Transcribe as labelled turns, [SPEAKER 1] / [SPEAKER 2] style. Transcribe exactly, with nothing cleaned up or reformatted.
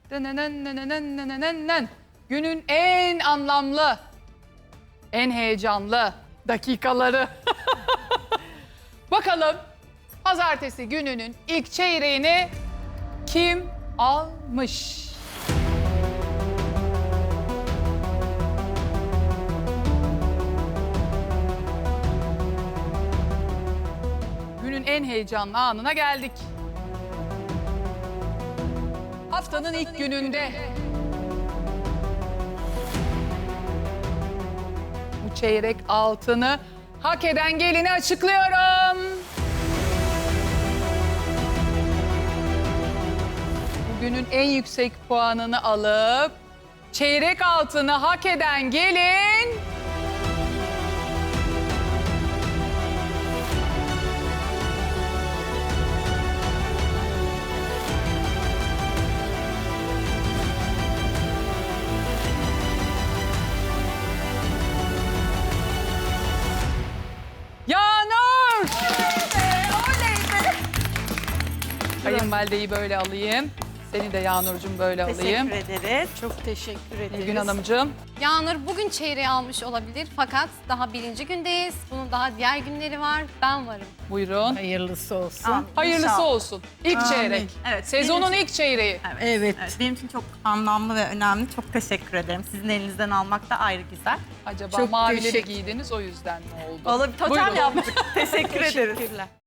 [SPEAKER 1] Dınınınınınınınınının. Günün en anlamlı, en heyecanlı dakikaları. Bakalım pazartesi gününün ilk çeyreğini kim almış? Günün en heyecanlı anına geldik. Haftanın ilk gününde bu çeyrek altını hak eden gelini açıklıyorum. Bugünün en yüksek puanını alıp çeyrek altını hak eden gelin... Yağnur!
[SPEAKER 2] Oley be!
[SPEAKER 1] Kayınvalideyi böyle alayım. Seni de Yağnurcuğum böyle alayım.
[SPEAKER 2] Teşekkür ederiz. Çok teşekkür ederiz.
[SPEAKER 1] Nilgün Hanımcığım.
[SPEAKER 3] Yağnur bugün çeyreği almış olabilir fakat daha birinci gündeyiz. Bunun daha diğer günleri var. Ben varım.
[SPEAKER 1] Buyurun.
[SPEAKER 4] Hayırlısı olsun.
[SPEAKER 2] Amin.
[SPEAKER 1] Hayırlısı
[SPEAKER 2] İnşallah.
[SPEAKER 1] olsun. İlk
[SPEAKER 4] Amin.
[SPEAKER 1] çeyrek.
[SPEAKER 2] Evet,
[SPEAKER 1] Sezonun
[SPEAKER 2] benim için-
[SPEAKER 1] ilk çeyreği.
[SPEAKER 2] Evet.
[SPEAKER 4] Evet.
[SPEAKER 2] Evet, benim için çok anlamlı ve önemli. Çok teşekkür ederim. Sizin elinizden almak da ayrı güzel.
[SPEAKER 1] Acaba
[SPEAKER 4] Çok
[SPEAKER 1] mavileri
[SPEAKER 4] teşekkür-
[SPEAKER 1] giydiniz o yüzden mi oldu?
[SPEAKER 2] Valla bir totem
[SPEAKER 1] Buyurun.
[SPEAKER 2] yaptık. Teşekkür ederiz.
[SPEAKER 4] Teşekkürler.